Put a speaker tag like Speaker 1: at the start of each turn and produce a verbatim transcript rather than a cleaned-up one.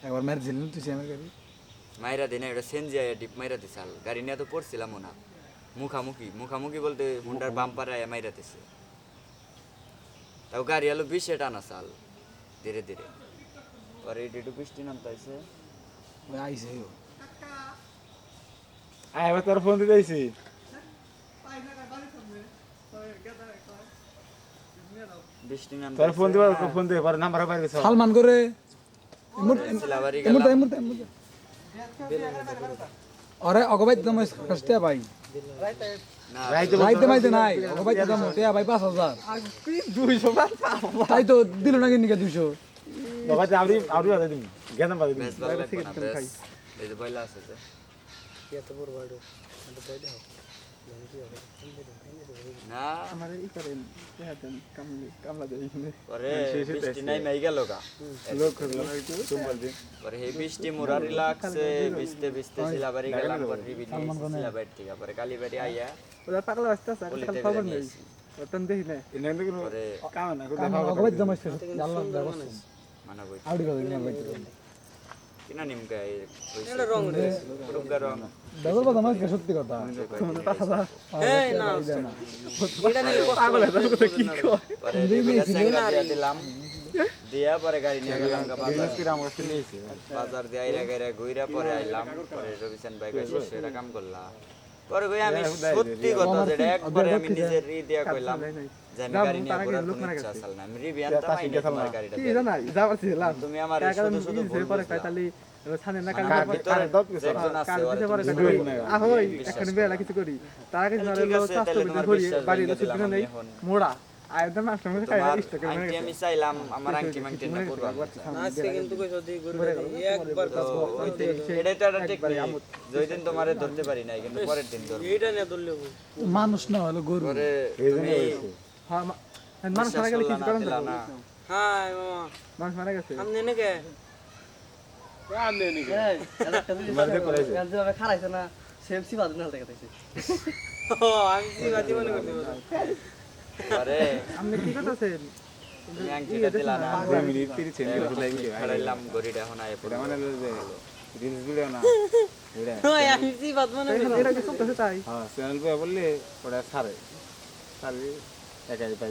Speaker 1: একবার মেরে দিলেন তুই আমার গাড়ি
Speaker 2: মাইরা দিনে এটা সেনজি আয়া ডিপ মাইরা দিছে আল গাড়ি নিয়ে তো পড়ছিলাম না মুখামুখি মুখামুখি বলতে হুন্ডার বাম্পার আয়া মাইরা দিছে তাও গাড়ি আলো বিশে টানা চাল ধীরে ধীরে পরে এটি একটু বৃষ্টি নামতাইছে
Speaker 1: ওই আইছে ও
Speaker 3: আয় এবার তোর ফোন দিতে আইছি
Speaker 2: বৃষ্টি
Speaker 3: তোর ফোন দিবা
Speaker 2: নামতাইছে
Speaker 3: ফোন দে পরে নাম্বার বাইরে গেছে
Speaker 1: সালমান করে
Speaker 2: সিলাবাড়ি
Speaker 1: এমুরতে
Speaker 2: গেলাম
Speaker 1: এমুরতে এমুরতে আরে অগবাই দাম কষ্টে ভাই
Speaker 2: না
Speaker 3: রাইতে
Speaker 1: রাইতে মাইতে নাই অগবাই দাম টিয়া ভাই পাঁচ হাজার
Speaker 3: দুইশো
Speaker 1: তাই তো দিল না কিনিকা দুইশো
Speaker 3: বাবা আউরি আউরি আদা দিন গেদাম বাদে দিন
Speaker 2: বেশ ভালো লাগবে না বেশ এই যে বইলা আছে যে না
Speaker 3: আমার ই করেন দেন কামলি কামলা দেই
Speaker 2: পরে বৃষ্টি নাই মাই গেল গা
Speaker 3: লোক করলো তুমি বল দিন
Speaker 2: পরে হে বৃষ্টি মোরা রিল্যাক্সে ভিজতে ভিজতে সিলাবাড়ি গেলাম পরে রিবি সিলাবাড়ি থেকে পরে কালীবাড়ি আইয়া
Speaker 4: ওরা পাগলা আসতে আছে
Speaker 2: বলিতে
Speaker 4: কাল খবর
Speaker 2: বেরিয়ে
Speaker 4: নেই
Speaker 2: আইছি।
Speaker 4: ওতন দেখি না
Speaker 3: ইনে কিন্তু
Speaker 2: পরে
Speaker 3: কাম না করে
Speaker 1: অগবাই দাম আছে আল্লাহ ব্যবস্থা
Speaker 2: মানা বই
Speaker 1: আউডি করে নিয়ে বাইতে
Speaker 2: কিনা নিমকা এই এটা রং রে রুগা রং
Speaker 1: দাদা দাম আছে সত্যি কথা এই না
Speaker 4: এটা নিয়ে পাগল আছে কি কয়
Speaker 2: পরে রিবি সিঙ্গা দিয়া দিলাম দিয়া পরে গাড়ি নিয়ে গেলাম গা বাজার
Speaker 3: কি রাম কাছে নিয়েছে
Speaker 2: বাজার দিয়ে আইরা গাইরা ঘুইরা পরে আইলাম পরে রবিশান ভাই কইছে সেটা কাম করলা পরে কই আমি সত্যি কথা যেটা একবারে আমি নিজের রি দিয়া কইলাম যে আমি গাড়ি নিয়ে ঘোরার কোনো ইচ্ছা আসল না আমি রিবি আনতাম আইনা তোমার গাড়িটা
Speaker 4: কি জানা যাবার ছিল
Speaker 2: তুমি আমার শুধু শুধু ভুল
Speaker 4: পরে
Speaker 2: বুঝলা।
Speaker 4: কাইতালি ছানে না কাল
Speaker 2: কার ভিতরে
Speaker 3: দত
Speaker 2: যে একজন আছে
Speaker 4: কাল
Speaker 2: ওরে
Speaker 4: দিতে পারে
Speaker 2: তুমি
Speaker 3: দুই
Speaker 4: কাইতালি
Speaker 3: না।
Speaker 4: আহই
Speaker 2: বিশ্বাস
Speaker 4: এখন
Speaker 2: করো।
Speaker 4: বেলা কিছু করি তার আগে
Speaker 2: তাহলে
Speaker 4: ধরে
Speaker 2: ঠিক আছে,
Speaker 4: চাস্তো
Speaker 2: তাহলে
Speaker 4: বিতে
Speaker 2: তোমার
Speaker 4: করি
Speaker 2: বিশ্বাস
Speaker 4: বাড়ি
Speaker 2: ভেঙে
Speaker 4: রসিদ
Speaker 2: দিলাম
Speaker 4: নেই
Speaker 2: আমি এখন।
Speaker 4: মোড়া আয়দা মাছ টাকা খাই
Speaker 2: তোমার
Speaker 4: ইষ্ট করে
Speaker 2: আংটি আমি চাইলাম আমার আংটি মাংটি না করবা
Speaker 4: আজকে কিন্তু কই যদি ঘুরে একবার
Speaker 2: তো ওই দিন এটাই তো একটা টেকনিক যেই দিন তোমারে ধরতে পারি নাই কিন্তু পরের দিন ধরবো
Speaker 4: এইটা নিয়ে ধরলে
Speaker 1: মানুষ না হলো গরু
Speaker 2: পরে
Speaker 3: এই জন্য
Speaker 2: তুমি
Speaker 3: হইছে
Speaker 4: হ্যাঁ মানুষ মারা গেলে কিছু করেন
Speaker 2: দিলা না
Speaker 4: হ্যাঁ মামা মানুষ মারা গেছে আমনে নাকি
Speaker 3: তোমার দে করাইছে
Speaker 5: খারাইছে না সেমসি বাদ না দেখা যাচ্ছে
Speaker 4: ও আমি কি বাদি মনে করতে
Speaker 2: পরে
Speaker 4: আপনি কি করতেছেন
Speaker 2: তুমি আংটিটা দিলা না
Speaker 3: দুই মিনিট তিরিশ সেকেন্ড করে লাগবে
Speaker 2: ছাড়াইলাম গড়িটা এখন আয়
Speaker 3: এটা মানে যে রিলস ভিডিও না এটা
Speaker 5: ওই আমি সি বাদ মনে
Speaker 4: এটা কি সব তাই
Speaker 3: হ্যাঁ চ্যানেল পে বললে ওটা ছাড়ে ছাড়ে একাই পাই